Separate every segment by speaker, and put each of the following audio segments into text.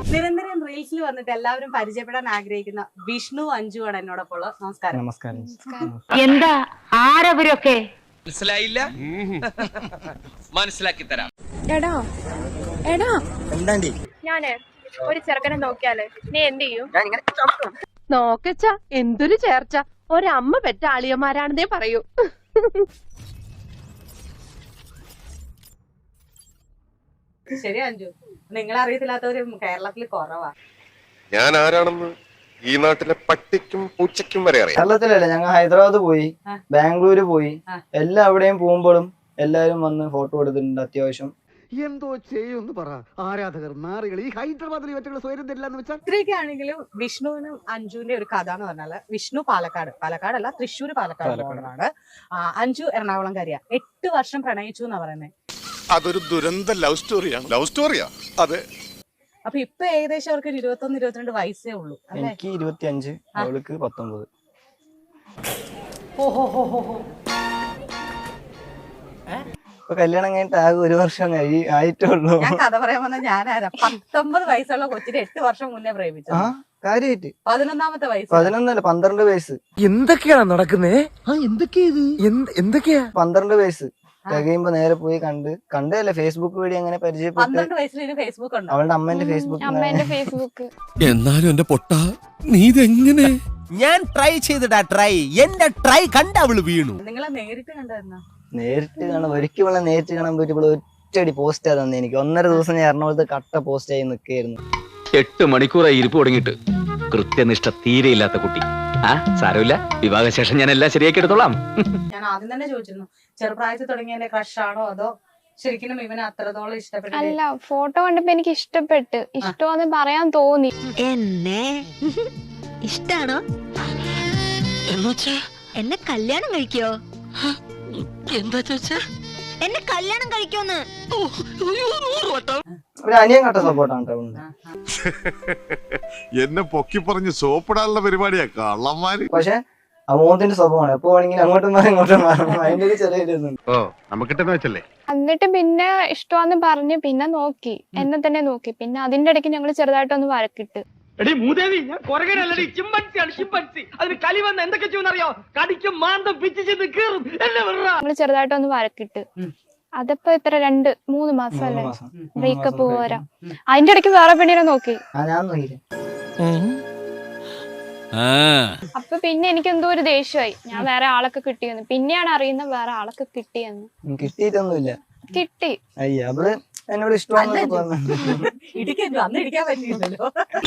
Speaker 1: നിരന്തരം റീൽസിൽ വന്നിട്ട് എല്ലാവരും പരിചയപ്പെടാൻ ആഗ്രഹിക്കുന്ന വിഷ്ണു അഞ്ജു ആണ് എന്നോടൊപ്പം ഉള്ളത്. നമസ്കാരം.
Speaker 2: നമസ്കാരം.
Speaker 3: എന്താ ആരവരൊക്കെ
Speaker 4: മനസ്സിലായില്ല? മനസ്സിലാക്കി തരാം.
Speaker 5: എടാ എടാ
Speaker 2: എന്താണ്ടി
Speaker 5: ഞാന് ഒരു ചെറുക്കനെ നോക്കിയാല് നീ എന്ത് ചെയ്യും? നോക്കച്ച എന്തൊരു ചേർച്ച, ഒരമ്മ പെറ്റ ആളിയന്മാരാണെന്നേ പറയൂ.
Speaker 1: ശരി അഞ്ജു, നിങ്ങളെ അറിയത്തില്ലാത്തവര് കേരളത്തിൽ കുറവാ.
Speaker 6: ഞാൻ ആരാണെന്ന് ഈ നാട്ടിലെ പട്ടിക്കും പൂച്ചയ്ക്കും വരെ അറിയാം.
Speaker 2: കേരളത്തിലല്ല, ഞങ്ങൾ ഹൈദരാബാദ് പോയി, ബാംഗ്ലൂര് പോയി, എല്ലാം അവിടെയും പോകുമ്പോഴും എല്ലാരും വന്ന് ഫോട്ടോ എടുത്തിട്ടുണ്ട്. അത്യാവശ്യം
Speaker 7: എന്തോ ചെയ്യുമെന്ന് പറ. ആരാധകർ നാറികൾ ഈ ഹൈദരാബാദിൽ ഇവറ്റകൾ സ്വയം തരില്ലെന്ന് വെച്ചാൽ
Speaker 1: ഇത്രയൊക്കെ ആണെങ്കിലും വിഷ്ണുവിനും അഞ്ജുവിന്റെ ഒരു കഥ എന്ന് പറഞ്ഞാല്, വിഷ്ണു പാലക്കാടല്ല തൃശ്ശൂർ പാലക്കാട് അഞ്ജു എറണാകുളംകാരിയാ. 8 വർഷം പ്രണയിച്ചു എന്നാ പറയുന്നത്.
Speaker 6: അതൊരു ദുരന്ത ലവ് സ്റ്റോറിയാണ്. ലവ് സ്റ്റോറിയാ? അതെ.
Speaker 1: അപ്പൊ ഇപ്പൊ ഏകദേശം അവർക്ക് 21-22 വയസ്സേ ഉള്ളൂ.
Speaker 2: എനിക്ക് 25, അവൾക്ക് 19. ഇപ്പൊ കല്യാണം കഴിഞ്ഞിട്ട് ആകെ 1 വർഷം ആയിട്ടുള്ളൂ.
Speaker 1: ഞാൻ കഥ പറയാൻ വന്ന ഞാനാരാ? 19 വയസ്സുള്ള കൊച്ചിനെ 8 വർഷം മുന്നേ പ്രേമിച്ചു.
Speaker 2: കാര്യായിട്ട്
Speaker 1: 11ാമത്തെ വയസ്സ്.
Speaker 2: 11 12 വയസ്സ്.
Speaker 7: എന്തൊക്കെയാണ് നടക്കുന്നേ? എന്തൊക്കെയാ?
Speaker 2: 12 വയസ്സ് തികയുമ്പോ നേരെ പോയി കണ്ടല്ലേ ഫേസ്ബുക്ക് വഴി അങ്ങനെ പരിചയപ്പെട്ട്.
Speaker 1: 12 വയസ്സിൽ ഫേസ്ബുക്ക് ഉണ്ടോ?
Speaker 2: അവളുടെ അമ്മേന്റെ ഫേസ്ബുക്ക്.
Speaker 8: എന്നാലും എന്റെ പൊട്ട നീ ഇതെങ്ങനെ?
Speaker 4: ഞാൻ ട്രൈ ചെയ്തിടാ. എന്റെ ട്രൈ കണ്ട അവള് വീണു.
Speaker 1: നിങ്ങളെ നേരിട്ട് കണ്ടായിരുന്നോ?
Speaker 2: നേരിട്ട് കാണാൻ ഒരിക്കലും നേരിട്ട് കാണാൻ പറ്റിയപ്പോൾ ഒറ്റയടി പോസ്റ്റ് തന്നെ എനിക്ക്. 1.5 ദിവസം ഞാൻ എറണാകുളത്ത് കട്ട പോസ്റ്റ് ആയി നിൽക്കുകയായിരുന്നു.
Speaker 9: 8 മണിക്കൂറായി ഇരിപ്പ് തുടങ്ങിയിട്ട്. കൃത്യനിഷ്ഠ തീരെയില്ലാത്ത കുട്ടി. സാരമില്ല, വിവാഹശേഷം ഞാൻ എല്ലാം ശരിയാക്കി എടുത്തോളാം.
Speaker 1: ഞാൻ ആദ്യം തന്നെ ചോദിച്ചിരുന്നു, ചെറുപ്രായത്തിൽ തുടങ്ങിയ എന്റെ ക്രഷ് ആണോ അതോ ശരിക്കും ഇവനെ അത്രത്തോളം ഇഷ്ടപ്പെട്ടു?
Speaker 5: അല്ല, ഫോട്ടോ കണ്ടപ്പോ എനിക്ക് ഇഷ്ടപ്പെട്ട്. ഇഷ്ടമാന്ന് പറയാൻ തോന്നി.
Speaker 10: എന്നെ ഇഷ്ടാണോ? എന്നെ കല്യാണം കഴിക്കോ?
Speaker 4: എന്താ ചോദിച്ചാ?
Speaker 10: എന്നെ കല്യാണം കഴിക്കോന്ന്?
Speaker 2: ഒരു അനിയൻ കട്ട സപ്പോർട്ടാണ് കേട്ടോ.
Speaker 6: എന്നെ പൊക്കി പറഞ്ഞ് സോപ്പിടാനുള്ള പരിപാടിയാ കള്ളന്മാര്.
Speaker 2: പക്ഷെ അമോദിന്റെ സ്വഭാവമാണ്. എപ്പോ വേണമെങ്കിലും അങ്ങോട്ടും മാറി ഇങ്ങോട്ടും മാറും. അതിന്റെ ഒരു ചെറിയ ഇതൊന്നും.
Speaker 6: നമുക്കിട്ടെന്ന് വെച്ചല്ലേ.
Speaker 5: എന്നിട്ട് പിന്നെ ഇഷ്ടമാന്ന് പറഞ്ഞ് പിന്നെ നോക്കി, എന്നെ തന്നെ നോക്കി. പിന്നെ അതിന്റെ ഇടയ്ക്ക് ഞങ്ങൾ ചെറുതായിട്ടൊന്ന് വഴക്കിട്ട്. ഞങ്ങള് ചെറുതായിട്ടൊന്ന് വഴക്കിട്ട്. അതിപ്പോ ഇത്ര 2-3 മാസമല്ലേ ബ്രേക്കപ്പ് പോരാ. അതിന്റെ ഇടയ്ക്ക് വേറെ പെണ്ണിനെ നോക്കി.
Speaker 2: ഞാൻ നോക്കിയില്ല.
Speaker 5: അപ്പൊ പിന്നെ എനിക്ക് എന്തോ ഒരു ദേഷ്യമായി. ഞാൻ വേറെ ആളൊക്കെ കിട്ടിയെന്ന്. പിന്നെയാണ് അറിയുന്നത് വേറെ ആളൊക്കെ കിട്ടിയെന്ന്.
Speaker 2: കിട്ടിയിട്ടൊന്നുമില്ല.
Speaker 5: കിട്ടി.
Speaker 2: അയ്യ, അവള് എന്നോട് ഇഷ്ടമാണെന്ന് പറഞ്ഞു.
Speaker 1: അന്ന് ഇടിക്കാൻ പറ്റിയില്ലല്ലോ.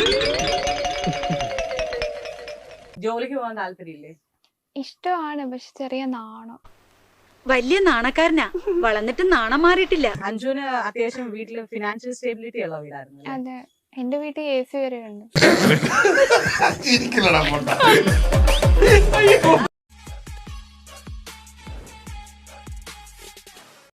Speaker 1: ജോലിക്ക് പോകാൻ താല്പര്യമില്ലേ?
Speaker 5: ഇഷ്ടമാണ്, പക്ഷെ ചെറിയ നാണം.
Speaker 10: വലിയ നാണക്കാരനാ, വളർന്നിട്ട് നാണം മാറിയിട്ടില്ല.
Speaker 1: അഞ്ജുവിന് അത്യാവശ്യം വീട്ടില് ഫിനാൻഷ്യൽ സ്റ്റെബിലിറ്റി ഉള്ള വീടായിരുന്നു.
Speaker 5: അതെ, എന്റെ വീട്ടിൽ AC വരെ ഉണ്ട്.